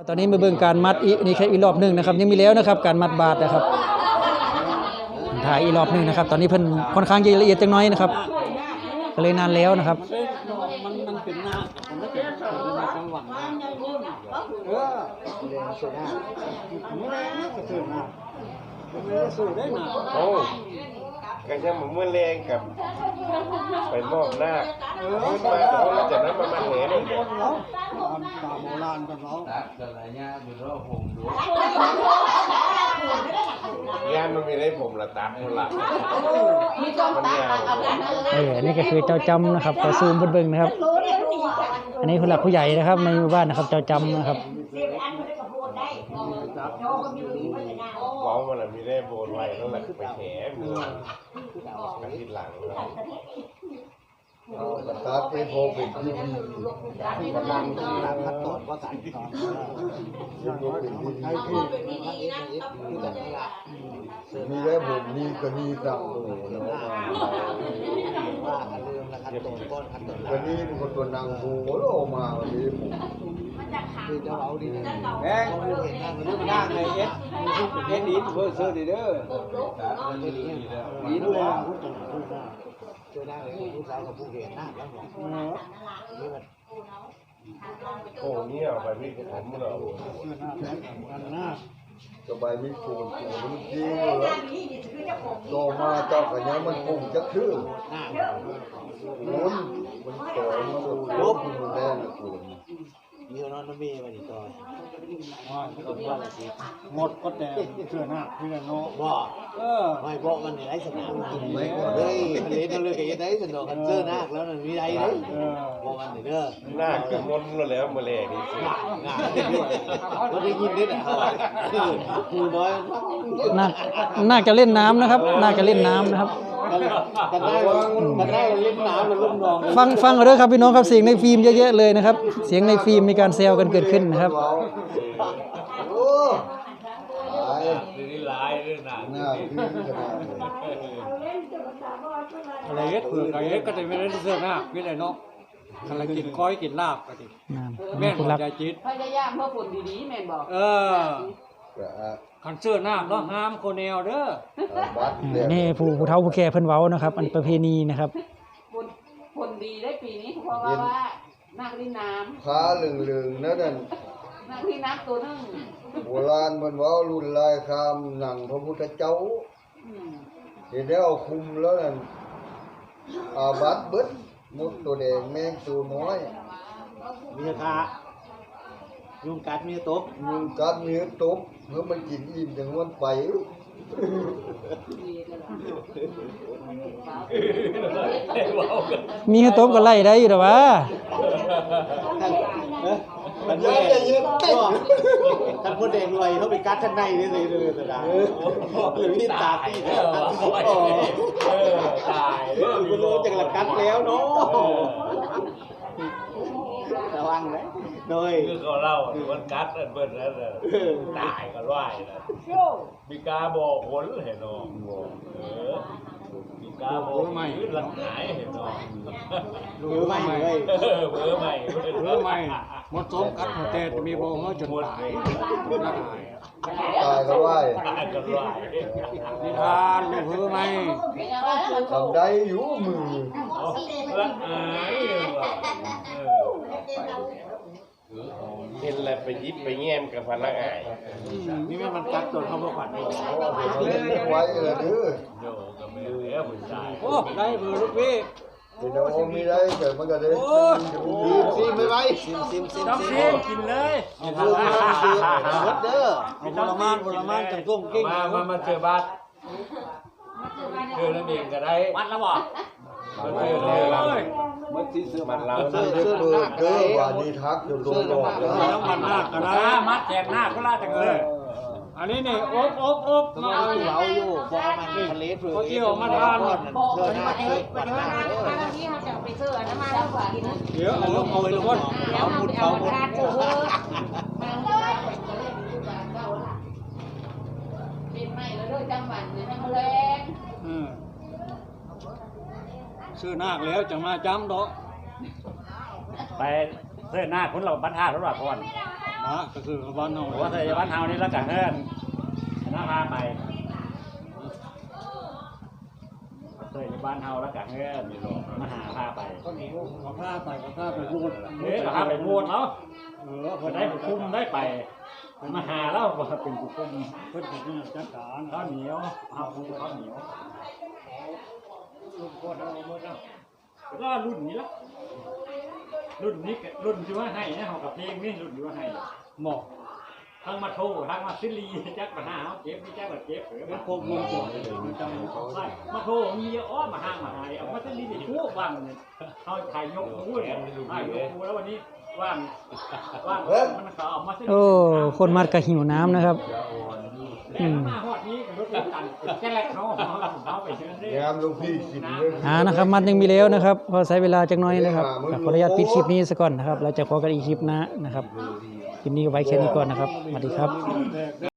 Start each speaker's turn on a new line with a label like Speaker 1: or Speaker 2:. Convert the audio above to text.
Speaker 1: ตอนนี้มาเบิ่งการมัดอีกนี่แค่อีกรอบนึงนะครับยังมีแล้วนะครับการมัดบาทนะครับถ่ายอีกรอบนึงนะครับตอนนี้เพิ่นค่อนข้างจะละเอียดจังน้อยนะครับก็เลยนานแล้วนะครับ
Speaker 2: มันเป็นหน้าผมไม่เป็นจังหวะสู้ได้หนา
Speaker 3: โอ้ก็จะเหมือนเมื่อแรงกับไปมอบหน้าขึ้นมาแต่ว่าจากนั้นมันมาแหนเลย
Speaker 2: ตามโบราณกันเนาะ
Speaker 3: ยานมันมีได้ผมละตามคนละมันยาว
Speaker 1: นี่ก็คือเจ้าจำนะครับก็ซูมเบิ่งนะครับอันนี้ผู้หลักผู้ใหญ่นะครับในหมู่บ้านนะครับเจ้าจำนะครับ
Speaker 3: ว้าวมันมีได้โบนไว้ต้องหลักไปแหนมือกันทีหลัง
Speaker 4: ตาเป็นโพเป็นที่
Speaker 2: ที่กำลังคัดตอนว่าสายตอน
Speaker 4: ใช่ที่มีได้ผมนี่ก็มีตังโอ้
Speaker 2: ว่ากันเรื่องละคัดตอนก้อนคัดตอน
Speaker 4: ก็นี่เป็นคนตัวนางบูโอ้มาวันนี้ผม
Speaker 2: คือจะเอาดีแม่เห็นหน้ามันหน้าในเอสดีเบอร์เซอร์ดีเด้อดีด้วยเจอหน้าเลยผู้ชายกับผู้เห็นหน้าแล้ว
Speaker 3: โอ้เนี่ยไปวิ่งผมเหรอ
Speaker 4: สบายมีคูณมันจริงเลยโตมาเจ้ากันยังมันคงจะคือลุ้นมันโตมันลบมันแดงคูณ
Speaker 2: มีนอนน้ำมีมาดิต่อยหมดก็แต่เชื่อหน้าพี่ละโน่บ่ไม่บอกมันในสนามกินไหมเฮ้ยทะเลทะเลได้สนุกกันเชื่อหน้าแล้วมันมีไรเลยบอกมันเด้อ
Speaker 3: หน้าคือมนแล้วเมื่อแรกนี่
Speaker 2: งานก็ได้ยินนิดอ่ะคือน้อย
Speaker 1: น่าจะเล่นน้ำนะครับน่าจะเล่นน้ำนะครับ
Speaker 2: กันได้เล่นน้ำแล้วลุ่มนอง
Speaker 1: ฟังเอาด้วยครับพี่น้องครับเสียงในฟิล์มเยอะๆเลยนะครับเสียงในฟิล์มมีการแซวกันเกิดขึ้นนะครับ
Speaker 4: โอ้
Speaker 3: นี่ลายด้วยนะ
Speaker 4: หน้าพี่ขนาด
Speaker 2: อะไรเงี้ยเผื่ออะไรเงี้ยก็จะไม่ได้เสื้อหน้าพี่เลยเนาะอะไรกินก้อยกินลาบก็ดิแม่นใจจิต
Speaker 5: พยายามเพื่อผลดีๆแม่นบอก
Speaker 2: ขันเสื้อหน้าเนาะห้ามโคเนลเด้อ
Speaker 1: นี่ผู้เฒ่าผู้แก่เพิ่นเว้านะครับอันประเพณีนะครับ
Speaker 5: ผลดีได้ปีนี้เพราะว่านักลินน้ำ
Speaker 4: ขาลึงๆนั่น
Speaker 5: นักลินน้ำตัวนึง
Speaker 4: โบราณเพิ่นเว้ารุ่นลายคำหนังพระพุทธเจ้าเห็นแล้วคุมแล้วนั่นอาบัตเบิดมดตัวแดงแมงตัวน้อย
Speaker 2: มีขายุงกัดมีตบ
Speaker 4: ยุงกัดมีตบเมื่อมันกินอิ่มจังมันไป
Speaker 1: มีให้ตบก็ไล่ได้อยู่แต่ว่า
Speaker 2: มันเยอะท่านพูดเองรวยเขาไปกัดท่านในนี่เลยนะหรือที่ตาตีตายคุณรู้จังหลักกัดแล้วเนาะระวังนะโดย
Speaker 3: คือเขาเล่ามันกัดเบิ้ลแล้วตายกันไหวนะมีกาบอกผลเห็นหรอมีกาบอกไม่หลังหายเห็นหรอ
Speaker 2: เบอร์ใหม่เลย
Speaker 3: เบอร์ใหม่
Speaker 2: หมดสมกัดหมดแต่มีโบเขาจนตาย
Speaker 4: ตายก็ไหว
Speaker 2: นิทานเบอร์ใหม่
Speaker 4: ทำได้อยู่มือ
Speaker 3: เห็นอะไรไปยิบไปแง้มกับพนักงาน
Speaker 2: นี่มันกัดจนเขาบอกว่า
Speaker 4: เล่นไว้เลยดื้อ
Speaker 3: โยกับมือแล้วผู้ชาย
Speaker 2: โอ้ได้เบอร์ลูกพี่
Speaker 4: เดี๋ยวมีได้เกิดมันก็ได้
Speaker 2: ซิมไม่ไว้ซิม
Speaker 3: กินเลย
Speaker 2: เด้อเอาผลไม้จังต้มกิ้ง
Speaker 3: มาเจอบัตรเจอแล้วเองก็ได้
Speaker 2: บัตรแล้วบ่
Speaker 3: มันเจอเลย
Speaker 2: มันที่เสื้อมัน
Speaker 4: เราเสื้อเบอร์เด้อวันนี้ทักอยู่ตรง
Speaker 2: แล้วมันหน้าก็ได้มัดแจกหน้าก็ล่าจังเลยอันนี้นี่อบมาเอาอยู่พอมันทะเลฝืนเขาเกี่ยวมาทานเสื้อหน้าเสื้อปัดหน้า
Speaker 5: ที่เขาจะไปเสื้อน้ำมันแล้วกิน
Speaker 2: เดี๋ยวเอาไปทุกคนเอาหมด
Speaker 5: เป็นใหม่แล้วด้วยจังหวัดเนี่ยให้เขาแรง
Speaker 2: ซื้อหน้าแล้วจะมาจำดอก
Speaker 6: ไปเสื้อหน้าคนเราบัตรห้าแล้วหรอก่อน
Speaker 2: ก็คือบ้านเฮา
Speaker 3: ว่าใส่บ้านเฮานี่แล้วกันเฮ้ยน่าพาไปใส่บ้านเฮาแล้วกันเฮ้ยมีลมมาหาพาไป
Speaker 2: ก็มีเขาพาไปพูด
Speaker 3: เฮ้ยพาไปพูดเนาะได้ผู้คุมได้ไปมาหาแล้วว่าเป็นผู้คุม
Speaker 2: เพิ่นเป็นจัดการ
Speaker 3: ข้าวเหนียวข้าวเหนียว
Speaker 2: ลูกก็เอาหมดแล้ว
Speaker 3: ก็รุ่นนี้ละรุ่นนี้รุ่นที่ว่าให้นะเขากับเพลงนี่รุ่นที่ว่าให้
Speaker 2: หมอก
Speaker 3: ทั้งมาโททั้งมาซิลีแจ็คมาหาเจ็บนี่แจ็คมาเจ็บหรือ
Speaker 2: แล้ว
Speaker 3: มา
Speaker 2: พวกลงตัวมันจำเขา
Speaker 3: ใช่มาโทมีเยอะอ้อมาห้างมาหายเอามาซิลีนี่ชั่วว่างเนี่ยเขาถ่ายยกมือเนี่ยถ่ายยกมือแล้ววันนี้ว่างมันเขาเอามาซิลี
Speaker 1: โอ้คนมัดก็หิวน้ำนะครับ
Speaker 3: แต่มาฮอดนี้รถตันแค่แรกเขาไปเชิญได้
Speaker 4: ยามหลวงพี่สิเด้อ
Speaker 1: นะครับมัดยังมีแล้วนะครับพอใช้เวลาจักหน้อยนะครับขออนุญาตปิดคลิปนี้ซะก่อนนะครับเราจะพบกันอีกคลิปหน้านะครับคลิปนี้ก็ไว้แค่นี้ก่อนนะครับสวัสดีครับ